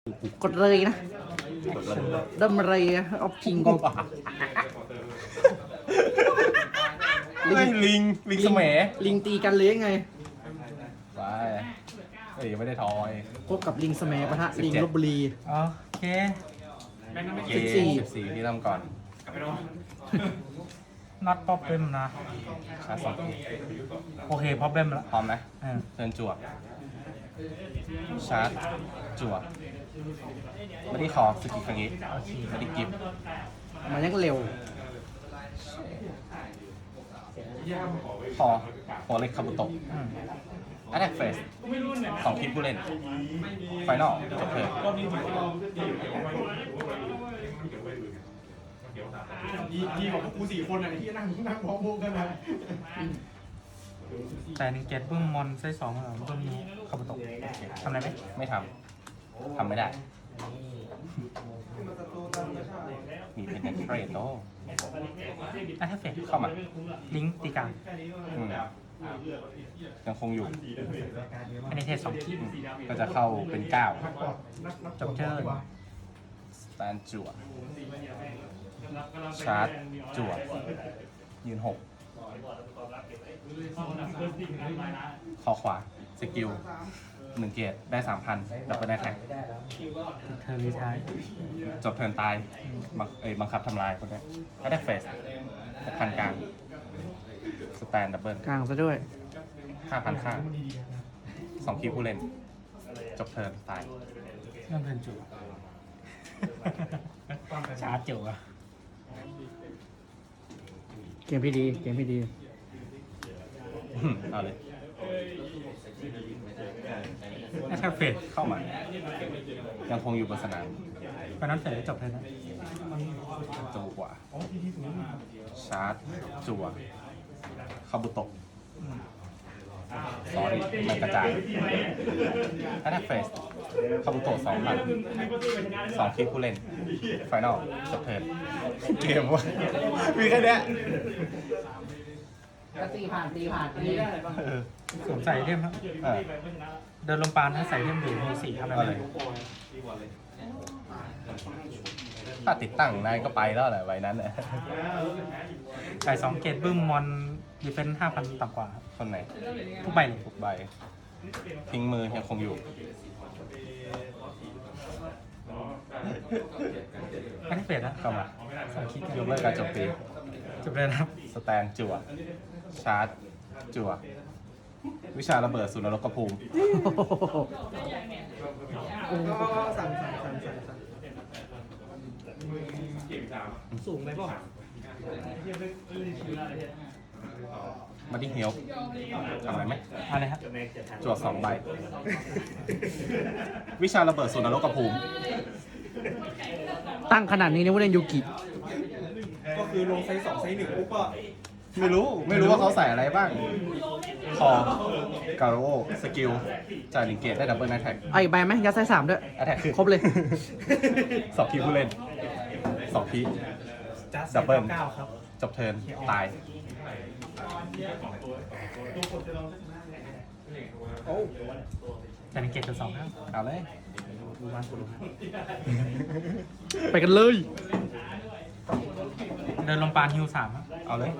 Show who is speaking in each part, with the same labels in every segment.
Speaker 1: กดเลยนะดำอะไรเอาพิงกู
Speaker 2: ลิงสมัย
Speaker 1: ลิงตีกันเลยไง
Speaker 2: ไปเอ้ยไม่ได้ทอย
Speaker 1: พบกับลิงสมัยปะทะลิงลบบุรี
Speaker 3: โอเค
Speaker 2: เก 14ที่ทำก่อน
Speaker 3: น็อตป๊อปเปมนะ
Speaker 2: ชาร์จสองที
Speaker 3: โอเคป๊อปเปมละ
Speaker 2: พร้อมนะ
Speaker 3: เออ
Speaker 2: เทิร์นจั่วชาร์จจั่วไม่ได้คอสกิลครั้งนี้ไม่ได้กิฟต์
Speaker 1: มันยังเร็ว
Speaker 2: คอหัวเล็กคาบุโตะ
Speaker 3: อืม
Speaker 2: แอตแทกเฟส2ทีมผู้เล่นไฟนอลจบเทิร์น
Speaker 4: ดีกว่าพวกกู4 คนอ่ะที่นั่งพร้อมพวกกันนะ
Speaker 3: แต่หนึ่งเกตบึ้มมอนไซส์2เหรอบึ้มนี้ขับตกทำอะไรไหม
Speaker 2: ไม่ทำไม่ได้ มีเป็นเทรดโต
Speaker 3: อ่ะถ้าเฟด
Speaker 2: เข้ามา
Speaker 3: ลิงก์ตีกลาง
Speaker 2: อืมยังคงอยู่
Speaker 3: อันนี้เทส2ที่
Speaker 2: ก็จะเข้าเป็น9
Speaker 3: จบเชิญ
Speaker 2: สแตนจั่วชาร์จจั่วยืน6คอขวาสกิล1 เกียรติได้ 3,000 ดับเบิลได้แท็ก
Speaker 3: เธอรีทาย
Speaker 2: จบเทิร์นตายบังคับทำลายคนนี้ก็ได้เฟส6,000กลางสแตนดับเบิล
Speaker 1: กลางซะด้วย
Speaker 2: 5,000ค่า2 คีย์ผู้เล่น จบเทิร์นตาย
Speaker 3: เริ่มเพลินจุชาร์จจุอ่ะ
Speaker 1: เกมพี่ดีเกมพี่ดี
Speaker 2: เอาเลย
Speaker 3: ถ้าเฟด
Speaker 2: เข้ามา ยังคงอยู่บนสนาม
Speaker 3: ไปนั้นเฟดจบเทิร์นนะ
Speaker 2: จั่วกว่า ชาร์จ จั่วคาบุโตะสอรี่มันกระจายแอตแทกเฟสคาบุโตะ2,000 2 คีย์ผู้เล่น ไฟนอลจบเทิร์นเกมวะมีแค่เนี้ย
Speaker 1: ตีผ่านตีผ่านตี
Speaker 3: สวมใส่เทมครับ
Speaker 2: เออ
Speaker 3: เดินลงปานถ้าใส่เทมอยู่มี4ทำอะไร
Speaker 2: เอาเลย ถ้าติดตั้งนายก็ไปแล้วแหละใบนั้นน่ะ
Speaker 3: ใส่2เกตบึ้มมอนดีเฟนส์5,000ต่ำกว่าครับ
Speaker 2: คนไหน
Speaker 3: ทุกใบเลย
Speaker 2: ทุกใบ ทิ้งมือยังคงอยู่
Speaker 3: อันนี้เฟดนะ
Speaker 2: เข้ามา
Speaker 3: 2 คิด
Speaker 2: ยกเลิกการจบปี
Speaker 3: จบเลยนะครับ
Speaker 2: สแตนจั่ว ชาร์จ จั่ว วิชาระเบิดสุนรกภูมิ
Speaker 1: สูงไปป่ะ
Speaker 2: มาดิ้งเฮียวทำอะไรไหม
Speaker 3: อะไรครับ
Speaker 2: จั่ว2 ใบ วิชาระเบิดสุนรกภูมิ
Speaker 1: ตั้งขนาดนี้นี่ว่าเล่นยูกิ
Speaker 4: ก็คือลงไซส์2ไซส์1ปุ๊บก็
Speaker 2: ไม่รู้ว่าเขาใส่อะไรบ้าง คอ การโอสกิล จ่าย1 เกตได้ดับเบิลแท็ก
Speaker 1: ไอ้ใบไหมยัดไส้3ด้วย
Speaker 2: แอตแทกคือ
Speaker 1: ครบเลย
Speaker 2: 2 คีย์ผู้เล่น 2 คีย์ ดับเบิล จบเทิร์นตาย
Speaker 3: แต่หนึ่งเกตตัว2ครับ
Speaker 2: เอาเลย
Speaker 1: ไปกันเลย
Speaker 3: เดินลงปานฮิว3ครับ
Speaker 2: เอาเลย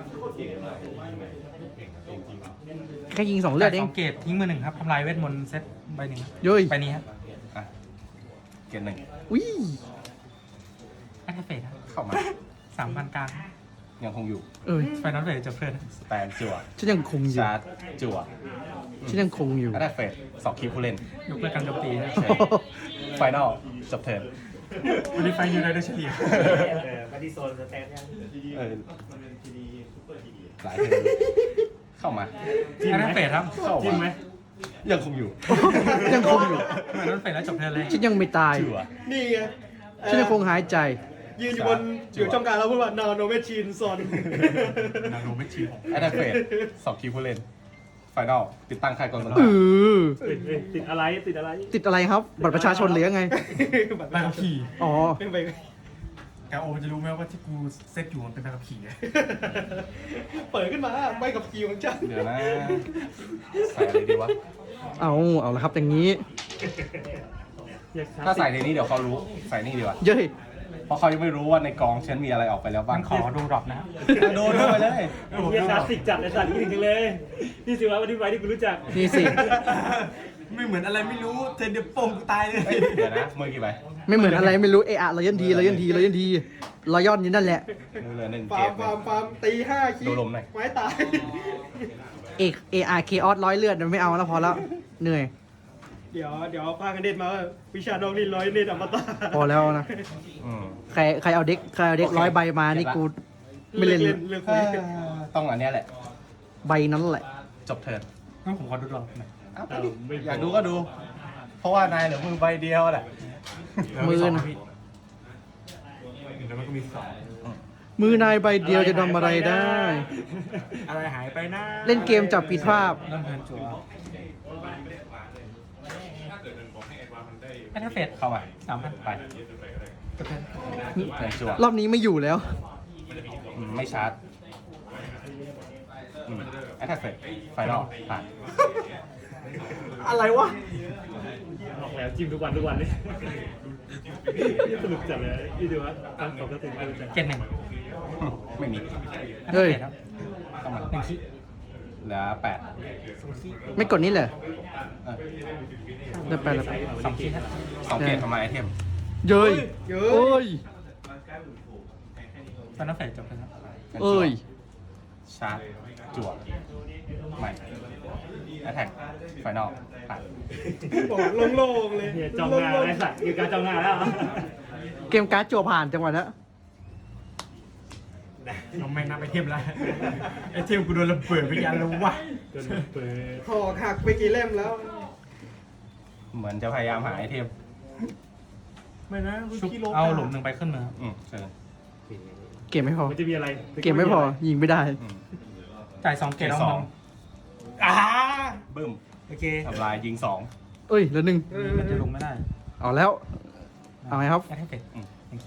Speaker 1: แค่ยิง2เลือดเอง
Speaker 3: 2เกตทิ้งมือ1ครับทำลายเวทมนต์เซตใบหนึ่งครับ
Speaker 1: เย้ย
Speaker 3: ใบนี้ครับ
Speaker 2: อ่ะ เกต1
Speaker 1: อุ้ย
Speaker 3: แอคเฟดครับ
Speaker 2: เข้ามา
Speaker 3: 3,000กลาง
Speaker 2: ยังคงอยู่
Speaker 1: เอ้ย
Speaker 3: ไฟนอลเฟดจบเทิร์น
Speaker 2: สแตนจั่ว
Speaker 1: ฉันยังคงอยู่
Speaker 2: ชาร์จ จั่ว
Speaker 1: ฉันยังคงอยู่
Speaker 2: แอตแทกเฟส2 คีย์ผู้เล่น
Speaker 3: ยกเลิกการโจมตีนะ
Speaker 2: ไฟนอลจบเทิร์น
Speaker 3: วันนี้ไฟยูไนเต็ดเฉลี่ย
Speaker 4: มาที่โซนสแตนยัง
Speaker 2: เออหลายเทิร์นเข้ามา
Speaker 3: แอคเฟดครับ
Speaker 2: เข้ามายังคงอยู่
Speaker 1: ยังคงอยู่
Speaker 3: ไฟนอลเฟดแล้วจบเทิร์นเลย
Speaker 1: ฉันยังไม่ตาย
Speaker 2: จั่ว
Speaker 4: นี่ไง
Speaker 1: ฉันยังคงหายใจ
Speaker 4: ยืนอยู่บนอยู่ช่องกลางแล้วพูดว่า no no machine son
Speaker 3: นาโนไม่ชีของ
Speaker 2: แอตแทกเฟส2 คีย์ผู้เล่น ไฟนอลติดตั้งค่ายกองกำลัง
Speaker 4: ติดอะไรติดอะไร
Speaker 1: ติดอะไรครับ บัตรประชาชนหรือยังไง
Speaker 3: ใบขับขี่
Speaker 1: อ๋อ
Speaker 4: ไม่ไป
Speaker 3: แกโอจะรู้ไหมว่าที่กูเซตอยู่มันเป็นใบขับขี่
Speaker 4: เปิดขึ้นมาไม่กับคิวของฉัน
Speaker 2: เดี๋ยวนะ ใส่อะไรดีวะ
Speaker 1: เอาละครับอย่างนี้
Speaker 2: ถ้าใส่ในนี้เดี๋ยวเขารู้ใส่นี่ดีกว่า
Speaker 1: เย้ย
Speaker 2: เพราะเขายังไม่รู้ว่าในกองฉันมีอะไรออกไปแล้วบ้า
Speaker 3: มั
Speaker 2: ง
Speaker 3: นขอดูดรอปนะครับ
Speaker 2: โดนไปเลย
Speaker 5: เฮียคลาสสิกจัดไอ้สัตว์นี่ถึงเลยนี่สิวะวันที่ไปที่กูรู้จัก
Speaker 1: นี่สิ
Speaker 4: ไม่เหมือนอะไรไม่รู้เธอเดี๋ยวโป่งกูตายเลย
Speaker 2: เฮ้ยเดี๋ยวนะมือกี่ใบ
Speaker 1: ไม่เหมือนอะไรไม่รู้เอะอะเรายันทีเรายันทีเรายันทีเราย่อนอยู่นั่นแหละ
Speaker 2: มือเหลือ1
Speaker 4: ฟา
Speaker 2: เก
Speaker 4: ร์ม
Speaker 2: ม
Speaker 4: ฟาร์มฟาร์มตี5คิ
Speaker 2: ดูลมหน่อย
Speaker 4: ไม้ตาย
Speaker 1: เออาร์เคออสร้อยเลือดไม่เอาแล้วพอแล้วเหนื่อย
Speaker 4: เดี๋ยวพากันเด็ดมาวิชาน้องนี่100เน็ตอมตะ
Speaker 1: พอแล้วนะ
Speaker 2: อืม
Speaker 1: ใครเอาเด็กร้อยใบมานี่กูไม่เล่น
Speaker 4: เรื่องคุย
Speaker 2: ต้องอันเนี้ยแหละ
Speaker 1: ใบนั้นแหละ
Speaker 2: จบเทิร์น
Speaker 3: งั้นผมขอดูดรอปหน่อย
Speaker 2: เอาไปดิอยากดูก็ดู เพราะว่านายเหลือมือใบเดียวแหละ
Speaker 1: มือนะ
Speaker 3: แล้วมันก็มีสอง
Speaker 1: มือนายใบเดียวจะทำอะไรได้
Speaker 3: อะไรหายไปนะ
Speaker 1: เล่นเกมจับผิดภาพ
Speaker 3: เริ่มเทิร์นจั่วแอทเฟส
Speaker 2: เข้ามา
Speaker 3: 3,000
Speaker 2: ไป
Speaker 3: กระเทิร์น
Speaker 2: เทิร์นจั่ว
Speaker 1: รอบนี้ไม่อยู่แล้ว
Speaker 2: ไม่ชาร์จแอทแทกเฟสไฟนอลผ่าน
Speaker 4: อะไรวะ
Speaker 5: บอกแล้วจิ้มทุกวันเลยนี่สนุกจัดเลยนี่ดูว่าตั้งสองกระตุ้นรู้จัก
Speaker 3: เกตหนึ่ง
Speaker 2: ไม่มี
Speaker 1: เฮ้ย
Speaker 3: ครับ
Speaker 2: เข้ามา
Speaker 3: หนึ่งคิ
Speaker 2: เหลือ8
Speaker 1: ไม่กดนี้เลย
Speaker 2: เออ
Speaker 1: ได้ไปแล้ว
Speaker 3: สองคิครับ
Speaker 2: 2 เกมทำไมไอเทม
Speaker 1: เย้ยเอ้ย
Speaker 3: ตอนนั้นเฟสจบแล้วครับ
Speaker 1: เอ้ย
Speaker 2: ชาร์จจั่วใหม่แอทแทกไฟนอลผ่าน
Speaker 4: บอกโล่งๆเลย
Speaker 5: เฮียจ้องหน้าไอ้สัตว์อยู่การจ้องหน้าแล้ว
Speaker 1: เกมการ์ดจั่วผ่านจังหวะนั้น
Speaker 3: เราไม่นับไอเทมแล้วไอเทมกูโดนระเบิดไปยันแล้ววะ
Speaker 5: จนเปิด
Speaker 4: หอกหักไปกี่เล่มแล้ว
Speaker 2: เหมือนจะพยายามหาไอเทม
Speaker 4: ไม่นะคุณ
Speaker 3: ชุบ
Speaker 4: พี่โลก
Speaker 3: เอาหลุมหนึ่งไปขึ้นมือ
Speaker 2: เชิญ
Speaker 1: เกมไม่พอ
Speaker 5: มันจะมีอะไร
Speaker 1: เกมไม่พอ ยิงไม่ได้
Speaker 3: จ่าย2 เกตเอา
Speaker 2: ส
Speaker 3: ม
Speaker 2: อ
Speaker 3: อง ง
Speaker 2: บึ้ม
Speaker 3: โอเค
Speaker 2: ทำลายยิง
Speaker 1: เอ้ยแล้วหนึ่ง
Speaker 3: มันจะลงไม่ได้
Speaker 1: เอาแล้ว เอาไงครับ
Speaker 3: แอทเฟสหนึ่งคิ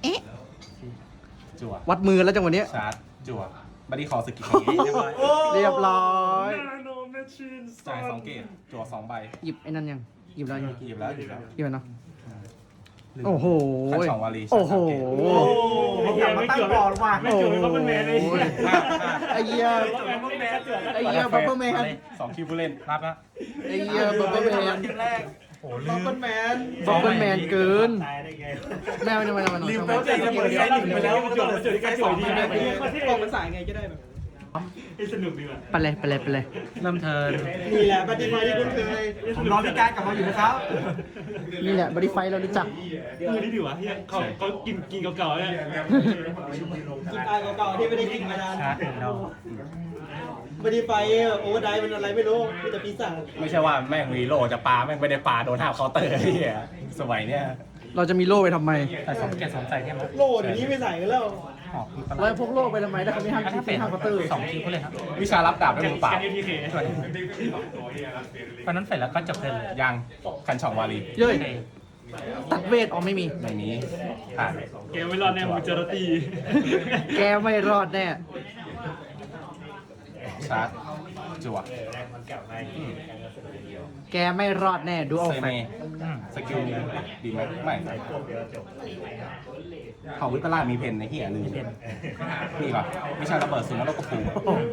Speaker 2: จั่ว
Speaker 1: วัดมือแล้วจังหวะนี้
Speaker 2: ชาร์จจั่วบัดดี้คอสกิลเรียบร้อย
Speaker 1: เรียบร้อย
Speaker 2: จ่าย2 เกมจั่ว2 ใบ
Speaker 1: หยิบไอ้นั่นยัง หยิบแล้วยัง
Speaker 2: หยิบแล้วหยิบแล้ว
Speaker 1: หยิบแล้วเนาะ โอ้โห
Speaker 2: ขันสองวารี
Speaker 1: โอ้โห
Speaker 5: ไอ้เฮียไม่เกี่ยวไม่เกี่ยวกับมันแมนเลย
Speaker 1: ไอ้เหี้ย ไอ้เหี้ยบัฟเฟอร์แมน
Speaker 2: 2 คิวผู้เล่น
Speaker 3: รับแล้ว
Speaker 1: ไอ้เหี้ยบัฟเฟอร์แมน
Speaker 3: โอ้
Speaker 4: บัฟเฟิลแมน
Speaker 1: บัฟเฟอร์แมนเกิน
Speaker 5: ตายได้ไง
Speaker 1: แม่ไม่ได้มาทำไม
Speaker 4: ลืม
Speaker 1: ทำ
Speaker 4: ไป
Speaker 1: ไม
Speaker 4: ว่าใจระเบิดไงหนึ่งไปแล้ว
Speaker 5: มันจบมันจบที่การจบที่ไหน
Speaker 4: กองมันสายไงก็ได้แบบ
Speaker 5: ให้สนุกดีว่ะ
Speaker 1: ไปเลยไปเลยไปเลย
Speaker 3: เริ่มเทิร์น
Speaker 4: นี่แหละปฏิบัติที่คุณเคยผมรอพี่การกลับมาอยู่นะครับ
Speaker 1: นี่แหละบริไฟเรารู้จัก
Speaker 5: มือนี่ดีว่ะเฮียเขากินเก่าๆเนี่ย
Speaker 4: กินตายเก่าๆที่ไม่ได้กินมานาน
Speaker 3: ชาร์จหนึ่งดอก
Speaker 4: บอดี้ไฟโอเวอร์ไดมันอะไรไม่รู้มีแต่ปีศาจ
Speaker 2: ไม่ใช่ว่าแม่งมีโลจะปาแม่งไม่ได้ปาโดนห้ามเคาน์เตอร์ไอ้เหี้ยสมัยเนี้ย
Speaker 1: เราจะมีโล่ไปทำไม
Speaker 3: แต่2 เกต2 ใส่เทมแล้ว
Speaker 4: โล่เดี๋ยวนี้ไม่ใส่กันแล้ว
Speaker 3: หอกคือป
Speaker 1: เราพกโล่ไปทำไมถ้าเขาไม่ห้าม
Speaker 3: แอท
Speaker 1: คิด
Speaker 3: เฟ
Speaker 1: ไม่
Speaker 3: ส
Speaker 1: ห้ามเคาน์เตอร์
Speaker 3: 2 คิผู้เล่นครับ
Speaker 2: วิชารับดาบด้วยมือเปล่า
Speaker 5: กันยูทีเค
Speaker 3: ส่วนตอนนั้นเฟสแล้วก็จบเทิร์นเลย
Speaker 2: ยังคันช่องวารี
Speaker 1: เย้ย
Speaker 3: โอเค
Speaker 1: ตัดเวทออกไม่มี
Speaker 2: ไม่มีผ่าน
Speaker 5: เกมไม่รอดแน่มูจารตี
Speaker 1: แกไม่รอดแน่
Speaker 2: ชาร์จจั่ว
Speaker 1: แกไม่รอดแน่ ดูเอา
Speaker 2: เซ
Speaker 1: แฟ
Speaker 2: เม
Speaker 1: ก
Speaker 2: สกิลดีไหมไม่เขาวิปลาสมีเพนในเหี้ยลืมนี่ก่อนวิชาระเบิดสูงแล้วก็ปู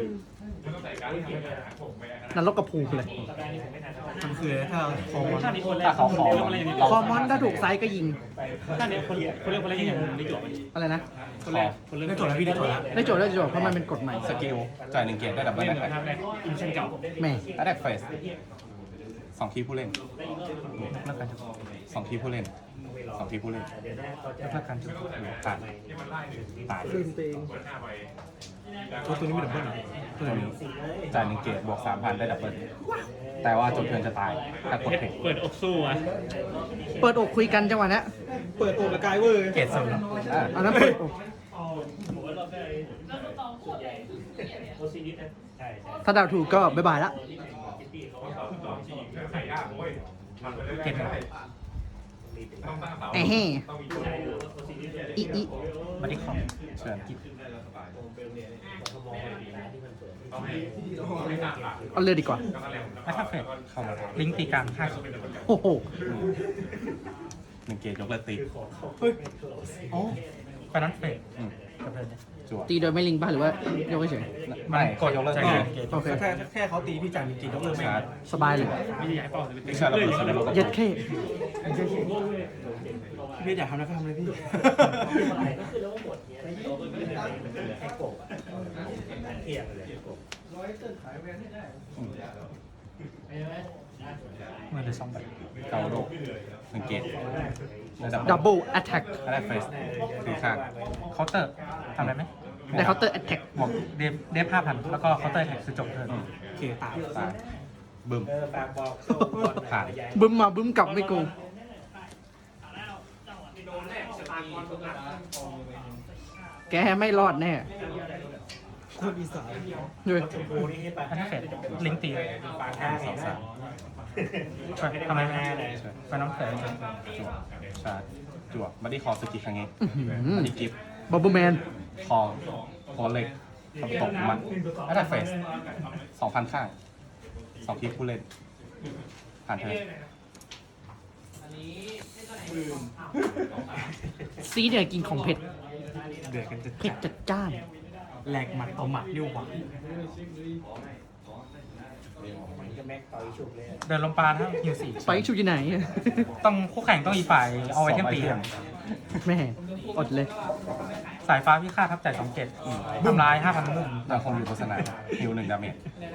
Speaker 1: นรกกระพูเลย
Speaker 3: มันคือถ้าโค้ง
Speaker 5: ท่านี้คนแรก
Speaker 2: ถ้าเขาขอ
Speaker 1: คอมมอนถ้าถูกไซส์ก็ยิง
Speaker 5: ท่านี้คนแรกยังไม่จบ
Speaker 1: อะไรนะ
Speaker 5: คนแรกคนแรก
Speaker 3: ได้จดแล้วพี่ได้จดแล้ว
Speaker 1: ได้โจทย์ได้โจทย์เพราะมันเป็นกฎใหม่
Speaker 2: สกิลจ่าย1 เกตได้ดับเบิล
Speaker 5: ไม่
Speaker 2: แอ
Speaker 5: เห
Speaker 2: ท
Speaker 5: มือน
Speaker 2: แทก
Speaker 5: ทำแรกอินชั่นเก่า
Speaker 1: แหม่
Speaker 2: แอทแทกเฟส2 คีย์ผู้เล่น
Speaker 3: แล้วกันจบ
Speaker 2: 2 คีย์ผู้เล่น2 คีย์ผู้เล่น
Speaker 3: แล้วกันจบ
Speaker 2: ผ่านตาย
Speaker 3: ตัวนี้ไม่ดับเบิ้ลเหรอ
Speaker 2: ตัวนี้จ่าย1 เกตบวก 3,000 ได้ดับเบิลแต่ว่าจนเทิร์นจะตายถ้ากดเทค
Speaker 5: เปิดอกสู้อ่ะ
Speaker 1: เปิดอกคุยกันจังหวะนี้
Speaker 4: เปิดโอบกายเวอร์
Speaker 3: เกตสุด
Speaker 1: อันนั้นเปิดอกถ้าเดาวถูกก็บ๊ายบายละ
Speaker 3: เกตหนึ่ง
Speaker 1: เอ้เฮ้อีอี
Speaker 3: บัดดี้คอม
Speaker 2: เชิญ
Speaker 1: เอาเลือดดีกว่า
Speaker 3: แล้วถ้าเฟด
Speaker 2: เข้ามา
Speaker 3: ลิงก์ตีกลาง5ขีด
Speaker 1: โอ้โห
Speaker 2: หนึ่งเกตยกเลิกตี
Speaker 1: อ๋อ
Speaker 3: ไฟนั้นเฟด
Speaker 2: อืม
Speaker 3: กับเลยเนี่ย
Speaker 2: จั่ว
Speaker 1: ตีโดยไม่ลิงป่ะหรือว่ายกเฉย
Speaker 2: ไม่กดยกเลิก
Speaker 3: ใจ
Speaker 2: ตี
Speaker 3: เย็นเกต
Speaker 1: โอเค
Speaker 4: แค่เขาตีพี่จ่ายมีกี่ยกเลิกไม่
Speaker 2: ชาร์จ
Speaker 1: สบายเลย
Speaker 5: ไม่ได้ย้ายเป้าจะไปตี
Speaker 2: วิชาระเบิดแสดงว่า
Speaker 1: เย็ดเข้
Speaker 4: พี่อยากทำอะไรก็ทำเลยพี่
Speaker 3: มือเลย2ใบ
Speaker 2: เกาโดหนึ่งเกตระดับ
Speaker 1: ดับเบิลแอตแทก
Speaker 2: แรกเฟสตีข้าง
Speaker 3: เคาน์เตอร์ทำอะไรไหม
Speaker 1: ได้เคาน์เตอร์แอตแทก
Speaker 3: บวกเดฟ5,000 แล้วก็เคาน์เตอร์แท็กคือจบเทิร์น
Speaker 4: โอเคตาย
Speaker 2: ตายบึ้มผ่าน
Speaker 1: บึ้มมาบึ้มกลับไม่โกงแกไม่รอดแน่
Speaker 4: คนอีสาน
Speaker 1: ด้วย
Speaker 3: อันนี้เฟดลิงก์ตี
Speaker 2: 2 3
Speaker 3: ทำอะไรไหมไฟนั้นเฟด
Speaker 2: จั่วชาร์จจั่วบัดดี้คอสกิครั้งนี้
Speaker 1: อื้อหือ
Speaker 2: บัดดี้กิฟต์
Speaker 1: บับเบิ้ลแมน
Speaker 2: คอโคเล็กทำตกมันแอตแทกเฟส 2,000 ข้าง2คีผู้เล่น ผ่านเธอ
Speaker 1: ซีเนี่ยกินของเผ็ด
Speaker 4: เดือดกันจะ
Speaker 1: เผ็ดจัดจ้าน
Speaker 4: แหลกหมัดต่อหมัดนิ้วหวัง
Speaker 3: เดินลงปลานะฮิว4
Speaker 1: ไปชูอยู่ไหน
Speaker 3: ต้องคู่แข่งต้องอีฝ่ายเอาไว้เทมตี
Speaker 2: 2
Speaker 1: แม่อดเลย
Speaker 3: สายฟ้าพิฆาตทับใจ2เกตทำลาย 5,000มุ่ง
Speaker 2: ยังคงอยู่โฆษณาฮิว1 ดาเมจ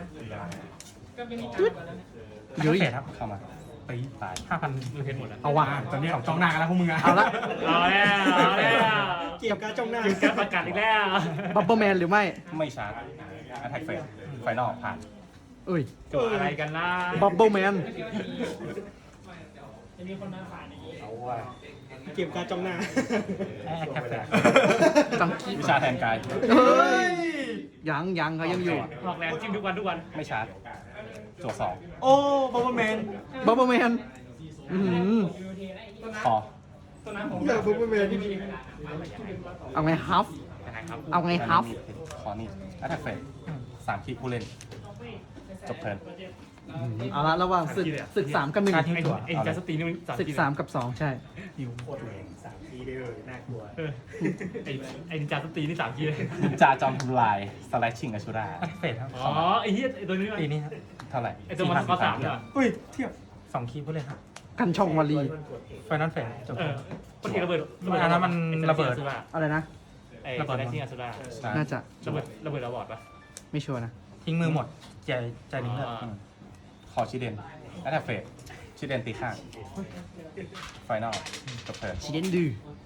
Speaker 3: เยอะเกตครับ
Speaker 2: เข้ามา
Speaker 3: ตี
Speaker 2: ตาย
Speaker 3: 5,000
Speaker 5: มันเห็นหมดแล้ว
Speaker 1: เอาว่ะ
Speaker 4: ตอนนี้จ้องหน้ากันแล้วพวกมึงอะ
Speaker 1: เอาละ
Speaker 5: เอาแล้วเอาแล้ว
Speaker 4: เกี่ยวกับจ้องหน้า
Speaker 5: ยืนการประกาศอีกแล้ว
Speaker 1: บับเบิ้ลแมนหรือไม่
Speaker 2: ไม่ชาร์จแอตแทกเฟสไฟนอลผ่าน
Speaker 1: เอ้ย
Speaker 5: จบอะไรกันล่ะ
Speaker 1: บับเบิ้ลแมน
Speaker 4: เกี่ยวกับจ้องหน้า
Speaker 3: แอคแคปเฟด
Speaker 1: จังกี้
Speaker 2: วิชาแทนกาย
Speaker 1: เฮ้ยยังเขายังอยู่
Speaker 5: ออกแรงจิ้มทุกวันทุกวัน
Speaker 2: ไม่ชาร์จจั่ว
Speaker 4: โอ้บอมเบอร์แมน
Speaker 1: บับเบิ้ลแมนอื้อหือ
Speaker 2: 2 คอ
Speaker 4: เลิกบอมเบอร์แมน
Speaker 1: เอาไงฮัฟ
Speaker 5: นะครับ
Speaker 1: เอาไงฮัฟ
Speaker 2: คอนี่แอตแทกเฟส3 คีผู้เล่น จบเทิร์น
Speaker 1: เอาละระหว่างศึก3 กับ
Speaker 3: การทิ้ง
Speaker 5: ไอ้
Speaker 3: ตัว
Speaker 5: ไอ้จัสตินนี่มัน
Speaker 1: 1ศึก3 กับ 2 ใช่
Speaker 4: หิวโคตรแรง3 ทีเดียวน่ากลัว
Speaker 5: เออไอ้จัสตินนี่3 ทีเลย
Speaker 2: นินจาจอมทำลายสไลด์ชิงอชูรา
Speaker 3: แอคเฟดครับ
Speaker 5: อ๋อไอ้เหี้ยไอ้ตัวนี้มัน
Speaker 3: ตีนี้ครับ
Speaker 2: เท่าไหร่
Speaker 5: ไอ้ตัวมันข้อ3เนี่ย
Speaker 4: เฮ้ยเทียบ
Speaker 3: 2คีย์ผู้เล่นครับ
Speaker 1: กันช่องวาลี
Speaker 3: ไฟนั้นเฟดจบ
Speaker 5: เออพอดีระเบิด
Speaker 3: อันนั้นมันระเบิด
Speaker 1: อะไรนะ
Speaker 5: ไอ้ระเบิดที่อาซูรา
Speaker 1: น่าจะ
Speaker 5: ระเบิดระบอดปะ
Speaker 1: ไม่ชัวร์นะ
Speaker 3: ทิ้งมือหมดใจหนึ่งเลือด
Speaker 2: คอชิเดนแอตแทกเฟสชิเดนตีข้างไฟนอลจบเทิร์น
Speaker 1: ชิเดนดื้อ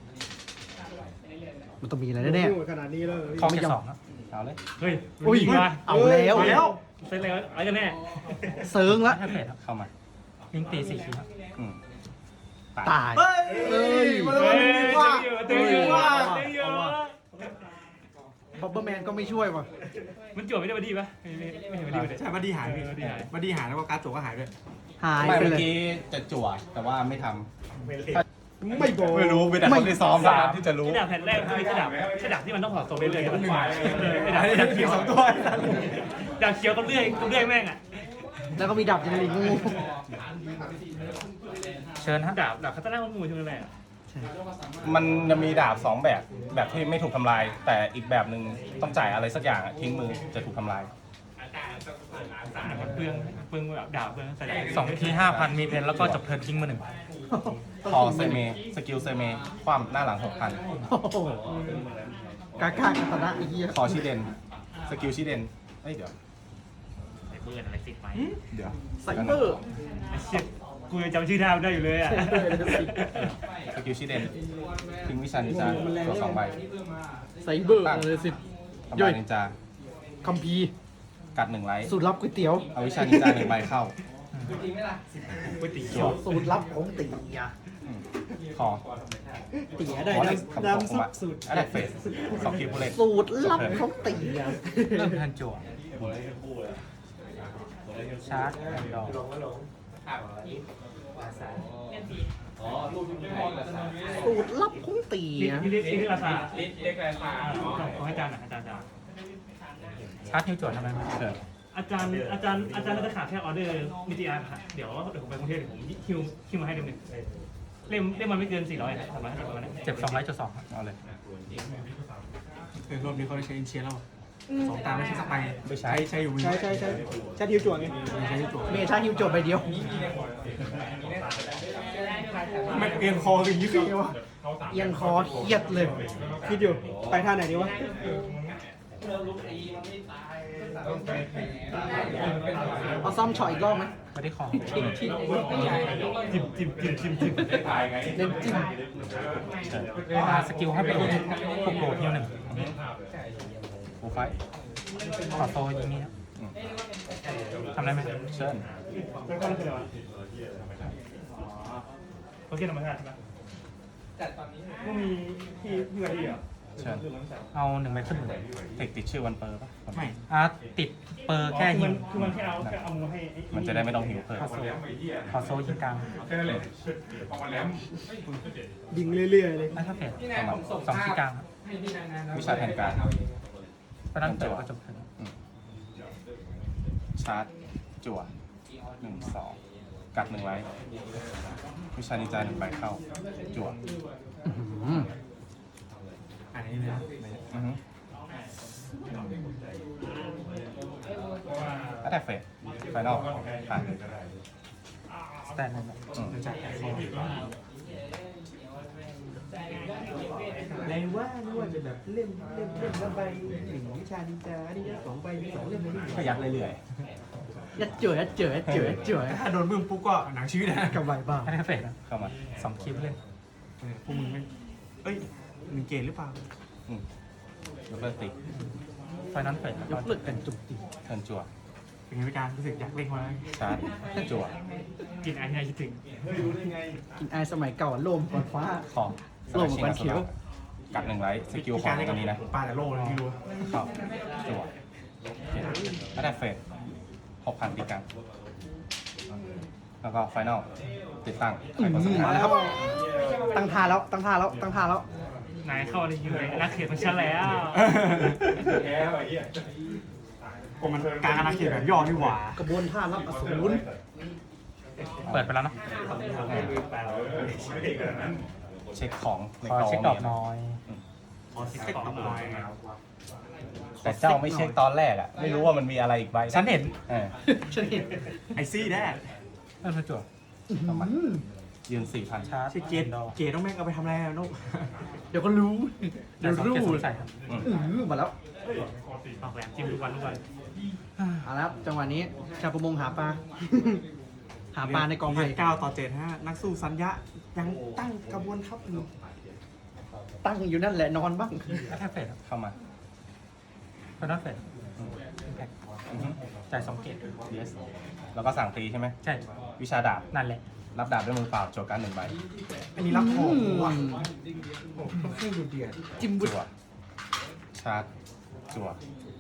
Speaker 1: มันต้องมีอะไรแน่
Speaker 4: ขนาดนี้เลย
Speaker 3: คอเกต2ครับ
Speaker 2: เอาเลย
Speaker 5: เฮ้ย
Speaker 1: ๆอุ้ย
Speaker 5: มา
Speaker 1: เอาแล้ว
Speaker 5: เซ็นอะไรกันแน่
Speaker 1: เซิงละ
Speaker 3: แอคเฟดครับ
Speaker 2: เข้ามา
Speaker 3: ลิงก์ตี4คีย์ครับ
Speaker 2: อืม
Speaker 1: ตาย
Speaker 4: เฮ้ยเฮ้ยมา
Speaker 5: เฮ้
Speaker 4: เลย ยว่า
Speaker 5: เต็มอยู่เต็มอยู่
Speaker 1: บับเบิ้ลแมนก็ไม่ช่วยว่ะ
Speaker 5: มันจวบไม่ได้มาดีปะไม่เห็นมาดีเลย
Speaker 4: ใช่บัดดี้หายพี่
Speaker 5: บัดดี้หาย
Speaker 4: บัดดี้หายแล้วก็การ์ดตัวก็หายด้วย
Speaker 1: หาย
Speaker 2: ไม่
Speaker 1: ไป
Speaker 2: เมื่อ
Speaker 1: เลย
Speaker 2: กี้จะจั่วแต่ว่าไม่ท
Speaker 4: ไม่บอก
Speaker 2: ำไม่รู้มีแต่คนที่ซ้อมมาที่จะรู้
Speaker 5: ที่ดาบแผ่นแรกคือที่ดาบที่มันต้องถอดตัวไปเรื่อยๆกันไอ้ดาบเขียว
Speaker 4: 2 ตัว
Speaker 5: ดาบเขียวก็เรื่อยแม่งอ่ะ
Speaker 1: แล้วก็มีดับยังลิงงู
Speaker 3: เชิญฮะ
Speaker 5: ดาบคาตาน่ามันมูใช่ไหมแม่
Speaker 2: มันจะมีดาบ2 แบบแบบที่ไม่ถูกทำลาย แต่อีกแบบหนึ่งต้องจ่ายอะไรสักอย่างอะทิ้งมือจะถูกทำลาย
Speaker 5: เปลืองแบบดาบเปลืองใส่
Speaker 3: 2คีย์5,000 มีเพนแล้วก็จบเทิร์นทิ้งมือ
Speaker 2: คอเซเมสกิลเซเมคว่ำหน้าหลัง
Speaker 1: โอ้โหกากาคาตานะไอ้เหี้ย
Speaker 2: 6,000 คอชิเดนสกิลชิเดนเอ้ยเดี๋ยว
Speaker 5: ใส่เบอร์อะไรติดไหม
Speaker 2: เดี๋ยว
Speaker 1: ไซเบอร์
Speaker 5: ไอ้เชี่ยกูยังจำชื่อดาบได้อยู่เลยอ่ะ
Speaker 2: สกิลชิเดนทิ้งวิชานินจาตัว2 ใบ
Speaker 1: ไซเบอร์เลยสิ
Speaker 2: ทำลายนินจา
Speaker 1: คัมภีร์
Speaker 2: กัด1 ไลท์
Speaker 1: สูตรลับก๋วยเตี๋ยว
Speaker 2: เอาวิชานินจา1 ใบเข้า
Speaker 5: ก๋วยเตี๋
Speaker 2: จั่
Speaker 5: ยว ว
Speaker 1: สูตรลับของตีอะ
Speaker 2: คอ
Speaker 4: เตี๋ยได้
Speaker 2: วอลเล็กคำตก
Speaker 4: น้ำ
Speaker 2: ผ
Speaker 4: ซุ
Speaker 2: ม
Speaker 4: ป
Speaker 2: อะ
Speaker 4: สูตร
Speaker 2: แอตแทกเฟส2 คีผู้เล่น
Speaker 1: สูตรลับของตีอะ
Speaker 3: เริ่มเทิร์นจั่วชาร์จแอนด์ดอก
Speaker 1: สูตรลับของตีนะ
Speaker 5: เรียกราคา
Speaker 2: เรียกราคา
Speaker 5: ขอให้อาจารย์หน่อยอาจารย์
Speaker 3: ชาร์จฮิวโจทย์ทำไมไม่
Speaker 2: เชิญ
Speaker 5: อาจารย์น่าจะขาดแค่ออเดอร์นิติอาร์ครับเดี๋ยวผมไปกรุงเทพเดี๋ยวผมคิวมาให้เล่มหนึ่งเล่มมันไม่เกิน400ครับ350ประมาณนั้น
Speaker 3: เจ็บ200.2ครับ
Speaker 2: เอาเลย
Speaker 4: รอบนี้เขาได้ใช้อินเชียร์แล้วสองตาไม่ใช่สไป
Speaker 2: ไม่ใช้
Speaker 4: ใช้อยู่มือ
Speaker 1: ใช่ชาทิวจวงไง
Speaker 4: ใช้ตัว
Speaker 1: เมย์ชาทิวจบไปเดียว
Speaker 4: มันเอียงคออย่างนี้คือไงวะ
Speaker 1: เอียงคอเครียดเลย
Speaker 4: คิดอยู่ไปท่าไหนดีวะ
Speaker 1: เอาซ่อมช็อตอีกรอบไหม
Speaker 3: ไม่ได้ของ
Speaker 5: จิ้มเล่นจิ้ม
Speaker 1: เล่นจิ้ม
Speaker 2: เชิญ
Speaker 3: สกิลให้ไปโดนพวกโดดฮิวหนึ่ง
Speaker 2: โปรไฟล์
Speaker 3: ขอโซอย่างนี้ครับ
Speaker 2: อืม
Speaker 3: ทำได้ไหม
Speaker 2: เชิญ
Speaker 5: แล้วก็คืออะไรวะโอเคธรรมชาติใช่ไหมก็มีพี่วันดีเหรอ
Speaker 2: เชิญ
Speaker 3: เอา1ใบขึ้นหนึ่ง
Speaker 2: เทคติดชื่อวันเปอร์ป่ะ
Speaker 4: ไม่
Speaker 3: ติดเปอร์แค่ฮิว
Speaker 5: คือมันแค่เอามือให้
Speaker 2: มันจะได้ไม่ต้องหิวเพิ่ม
Speaker 3: ขอโซยิงกลาง
Speaker 4: ยิงเรื่อยๆเลย
Speaker 3: ไม่ถ้าเพจ
Speaker 2: เข้ามา
Speaker 3: 2ที่กลางครับ
Speaker 2: วิชาแทนการ
Speaker 3: เพราะนั้นเจอก็จบถึง
Speaker 2: ชาร์จจั่ว1 2 กัด1ไลท์วิชานินจา1ใบเข้า จั่ว
Speaker 4: อันนี้เลยนะ
Speaker 2: อือฮึอัตแทกเฟสไฟนอลผ่าน
Speaker 3: สแตนนั่นแหละ
Speaker 2: อืม
Speaker 4: แรงว่าไม่ว่าจะแบบเล่มละใบหนึ่งวิชานินจานี่สองใบสองเล่มเลย
Speaker 2: ก็ยัดเรื่อย
Speaker 1: ยัดเจ๋อยัดเจ๋อยัดเจ๋อยัดเจ๋อ
Speaker 4: ถ้าโดนบึ้มปุ๊บก็หนังชีวิตนะ
Speaker 1: กับใบบ้าง
Speaker 3: ไม่ได้เพจนะ
Speaker 2: ๆ เข้ามา
Speaker 3: 2 คลิปเล่น
Speaker 4: พวกมึงไม่เอ้ยมึงเกณฑ์หรือเปล่า
Speaker 2: อืมยกเลิกติ
Speaker 3: เพราะนั้นเพจ
Speaker 1: ยกเลิกกันจุกจิก
Speaker 2: เทิร์นจั่ว
Speaker 4: เป็นไงพี่การรู้สึกอยากเล่นมา
Speaker 2: ชาร์จจั่ว
Speaker 5: กินไอ้ที่คิดถึง
Speaker 1: กินไอสมัยเก่าโลมก่อนฟ้า
Speaker 2: คอ
Speaker 1: โล่งกว่ากันเขียว
Speaker 2: กัด1ไลท์สกิลของอันนี้นะ
Speaker 4: ปลาแต่โลเลยไม่รู้
Speaker 2: เข้าจั่วอัตแทกเฟส6,000ตีกัน แล้วก็ไฟนอลติดตั้งใครก็ส
Speaker 1: มาแล้วครับ ตั้งท่าแล้วตั้งท่าแล้วตั้งท่าแล้ว
Speaker 5: นายเข้าอะไรอยู่เลยนักเขียนของฉันแล้ว
Speaker 4: โอ้มันการอาณาเขตแบบย่อนี่หว่าก
Speaker 1: ระบวนท่ารับอสูร
Speaker 3: เปิดไปแล้วเนาะ
Speaker 2: เช็คของใน
Speaker 3: ขอก
Speaker 2: อง
Speaker 3: เช็คดอกน้อย
Speaker 4: ขอสิเซ็ตต่อไป
Speaker 2: แต่เจ้าไม่เช็คตอนแรกอ่ะ ไม่รู้ว่ามันมีอะไรอีกใบ
Speaker 3: ฉันเห็น
Speaker 2: เออ
Speaker 1: ฉันเห็น
Speaker 4: ไอซี่แน่
Speaker 3: นั่นคือจั่ว
Speaker 2: ประมาณยืน 4,000
Speaker 3: ชาร์จ
Speaker 4: ใช่เกตเกตต้องแม่งเอาไปทำอะไรอะนก
Speaker 1: เดี๋ยวก็รู้ เดี๋ยวรู้
Speaker 3: ใส่ครับ
Speaker 1: มาแล้ว
Speaker 5: ออกแหลมจิ้มทุกวัน
Speaker 1: เอาละครับจังหวะนี้ชาวประมงหาปลา หาปลาในกองไผ่
Speaker 4: 9-7นักสู้สัญญะยังตั้งกระบวนทัพอยู่
Speaker 1: ตั้งอยู่นั่นแหละนอนบ้าง
Speaker 3: แค่เพจ
Speaker 2: เข้ามา
Speaker 3: เพราะนั้นเพจแพ็ค
Speaker 2: อือฮึ
Speaker 3: จ่าย2 เกต
Speaker 2: yes แล้วก็สั่งตีใช่ไหม
Speaker 3: ใช่
Speaker 2: วิชาดาบ
Speaker 3: นั่นแหละ
Speaker 2: รับดาบด้วยมือเปล่าโจทย์การ1ใบ
Speaker 4: อันนี้รับของว่ะเครื่องดูเดือด
Speaker 1: จิ้มบุ
Speaker 2: จั่ว ชาร์จ จั่ว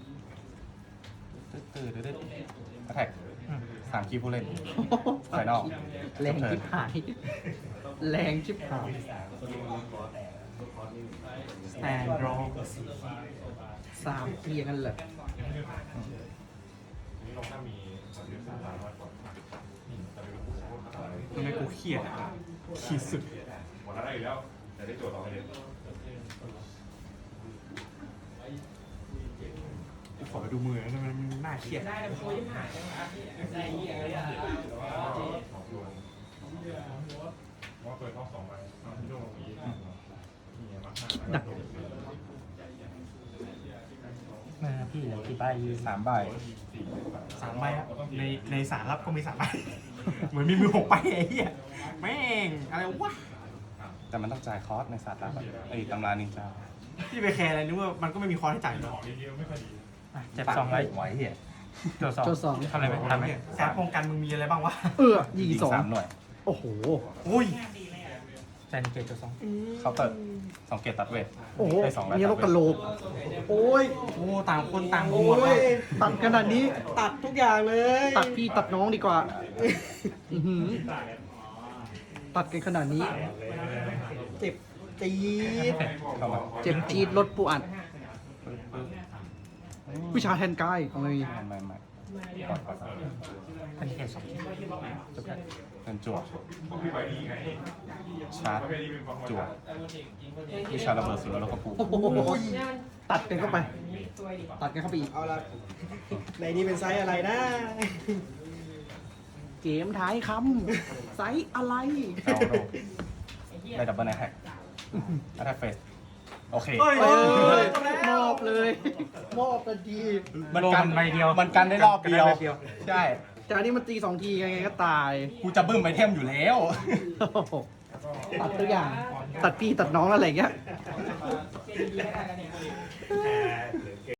Speaker 2: ตื้อๆอัตแทก
Speaker 3: อืม
Speaker 2: 3 คีย์ผู้เล่น ไฟนอล
Speaker 1: แรงชิบหาย แรงชิบหาย
Speaker 4: สแตนรอ
Speaker 1: 3 เกียร์กันเลย
Speaker 4: ทำไมกูเครียดอ่ะขีดสุดกูขอไปดูมือแล้วมันน่าเครียด
Speaker 1: หนัก
Speaker 3: พี่เหลือกี่ใบ
Speaker 2: 3 ใบ
Speaker 4: 3 ใบอ่ะในสารรับก็มี3 ใบ เหมือนมีมือ6 ใบไอ้เหี้ยแม่งอะไรวะ
Speaker 2: แต่มันต้องจ่ายคอร์สในศาสตร์ลับอะไอ้ตำรานินจา
Speaker 4: พี่ไปแคร์อะไรนึกว่ามันก็ไม่มีคอร์สให้จ่ายหรอก
Speaker 3: เจ็บ2 ไลท์
Speaker 2: ไว้เหี้ย
Speaker 3: จั่ว
Speaker 1: โจสอง
Speaker 3: ทำอะไรไหมทำไหม
Speaker 4: การป้องกันมึงมีอะไรบ้างวะ
Speaker 1: ยิง
Speaker 2: ยิง
Speaker 1: สอง
Speaker 2: 3 หน่วย
Speaker 1: โอ้โห
Speaker 4: อุ้ย
Speaker 3: ใจในเกตจั่ว2
Speaker 2: เคาน์เตอร์2 เกตตัดเวท
Speaker 1: โอ้โห
Speaker 2: ได้2
Speaker 1: มีโรคกระโหลก โอ้ย
Speaker 4: โอ้ต่างคนต่าง
Speaker 1: โอ้
Speaker 4: หัวย
Speaker 1: ตัดขนาดนี้
Speaker 4: ตัดทุกอย่างเลย
Speaker 1: ตัดพี่ตัดน้องดีกว่าอื้อหือตัดกันขนาดนี้
Speaker 4: เจ็บ
Speaker 1: จี๊ด
Speaker 2: เข้ามา
Speaker 1: เจ็บจี๊ดลดปูอัด
Speaker 2: ปึ๊บปึ๊บ
Speaker 1: วิชาแทนกายของเลย
Speaker 2: ไม่ก่อน
Speaker 3: อันนี้แค่2เกต
Speaker 2: จบแล้วเงินจั่วชาร์จจั่ววิชาระเบิดสุดแล้วก็ปู
Speaker 1: โอ้โหตัดกันเข้าไป ตัดกันเข้าไปอีก
Speaker 6: เอาละในนี้เป็นไซส์อะไรนะ
Speaker 1: เกมท้ายคำไซส์อะไร
Speaker 2: เอาโลได้ดับเบิลไนท์แฮกอัตแทกเฟสโอเค
Speaker 1: เอ้ยมอบเลย มอบทันที
Speaker 3: โลมันใบเดียว
Speaker 2: มันกันได้รอบเดียว
Speaker 3: กันได้ใบเดียว
Speaker 2: ใช่
Speaker 1: จากนี้มันตี2 ทีไงก็ตาย
Speaker 2: กูจะบึ้มไอเทมอยู่แล้ว
Speaker 1: โอ้โหตัดตัวอย่าง ตัดพี่ตัดน้องอะไรอย่างเงี้ย
Speaker 4: แต่